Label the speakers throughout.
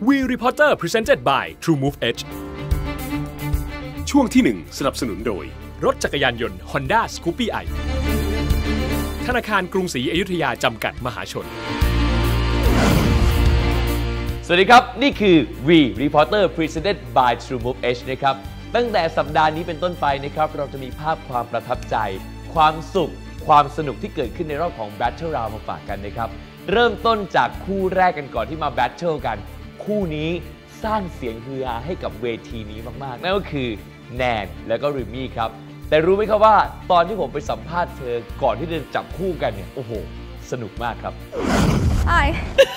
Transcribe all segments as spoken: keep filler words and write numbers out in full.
Speaker 1: We Reporter Presented by TrueMove Edge ช่วงที่หนึ่งสนับสนุนโดยรถจักรยานยนต์ Honda Scoopy i ธนาคารกรุงศรีอยุธยาจำกัดมหาชน
Speaker 2: สวัสดีครับนี่คือ We Reporter Presented by TrueMove Edge นะครับตั้งแต่สัปดาห์นี้เป็นต้นไปนะครับเราจะมีภาพความประทับใจความสุขความสนุกที่เกิดขึ้นในรอบของ Battle Round มาฝากกันนะครับเริ่มต้นจากคู่แรกกันก่อนที่มา Battle กันคู่นี้สร้างเสียงฮือฮาให้กับเวทีนี้มากๆนั่นก็คือแนนและก็ริมมี่ครับแต่รู้ไหมครับว่าตอนที่ผมไปสัมภาษณ์เธอก่อนที่จะจับคู่กันเนี่ยโอ้โหสนุกมากครับ
Speaker 3: Hi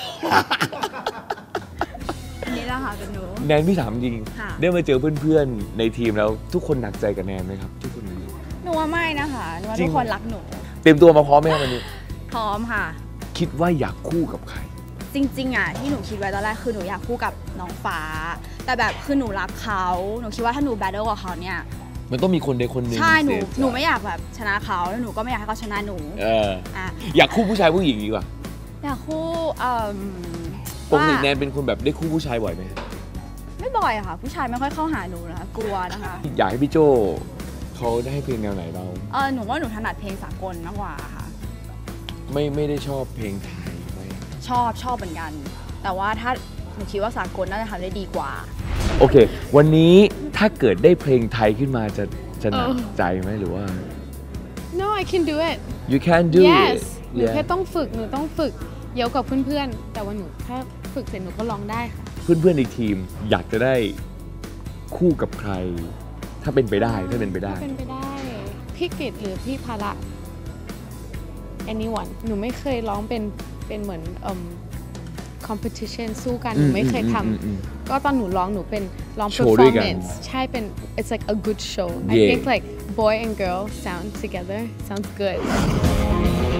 Speaker 3: นี่แหละค่ะเป็นหนู
Speaker 2: แนนพี่ถามจริงได้มาเจอเพื่อนๆในทีมแล้วทุกคนหนักใจกับแนนไหมครับทุกคน
Speaker 3: หนูว่าไม่นะคะหนูว่าทุกคนรักหนู
Speaker 2: เตรียมตัวมาพร้อมไหมครับวันนี้
Speaker 3: พร้อมค่ะ
Speaker 2: คิดว่าอยากคู่กับใคร
Speaker 3: จริงๆอ่ะที่หนูคิดไว้ตอนแรกคือหนูอยากคู่กับน้องฟ้าแต่แบบคือหนูรักเขาหนูคิดว่าถ้าหนูแบทเทิลกับเขาเนี่ย
Speaker 2: มันต้องมีคนใดคนหนึ่ง
Speaker 3: ใช่หนูหนูไม่อยากแบบชนะเขาแล้วหนูก็ไม่อยากให้เขาชนะหนู
Speaker 2: เอออ่ะอยากคู่ผู้ชายผู้หญิงดีกว่า
Speaker 3: อยากคู่เอ่อ
Speaker 2: ปกติแนนเป็นคนแบบได้คู่ผู้ชายบ่อยไหม
Speaker 3: ไม่บ่อยอะค่ะผู้ชายไม่ค่อยเข้าหาหนูนะคะกลัวนะคะ
Speaker 2: อยากให้พี่โจเขาได้ให้เพลงแนวไหนเรา
Speaker 3: เออหนูว่าหนูถนัดเพลงสากลมากกว่าค่ะ
Speaker 2: ไม่ไม่ได้ชอบเพลงไทยไหม
Speaker 3: ชอบชอบเหมือนกันแต่ว่าถ้าหนูคิดว่าสากลน่าจะทำได้ดีกว่า
Speaker 2: โอเควันนี้ถ้าเกิดได้เพลงไทยขึ้นมาจะจะหนักใจไหมหรือว่า
Speaker 4: No I can do it
Speaker 2: You can do
Speaker 4: it
Speaker 2: Yes
Speaker 4: หนูแค่ต้องฝึกหนูต้องฝึกเยอะกับเพื่อนๆแต่ว่าหนูถ้าฝึกเสร็จหนูก็ร้องได้ค่ะ
Speaker 2: เพื่อนๆในทีมอยากจะได้คู่กับใครถ้าเป็นไปได้ถ้าเป็นไปได้
Speaker 4: ถ้าเป็นไปได้พี่กฤษหรือพี่ภาระ anyone หนูไม่เคยร้องเป็นเป็นเหมือนเอ่อ competition สู้กันหนูไม่เคยทำก็ตอนหนูร้องหนูเป็นร้อง performance ใช่เป็น it's like a good show I think like boy and girl sound together sounds good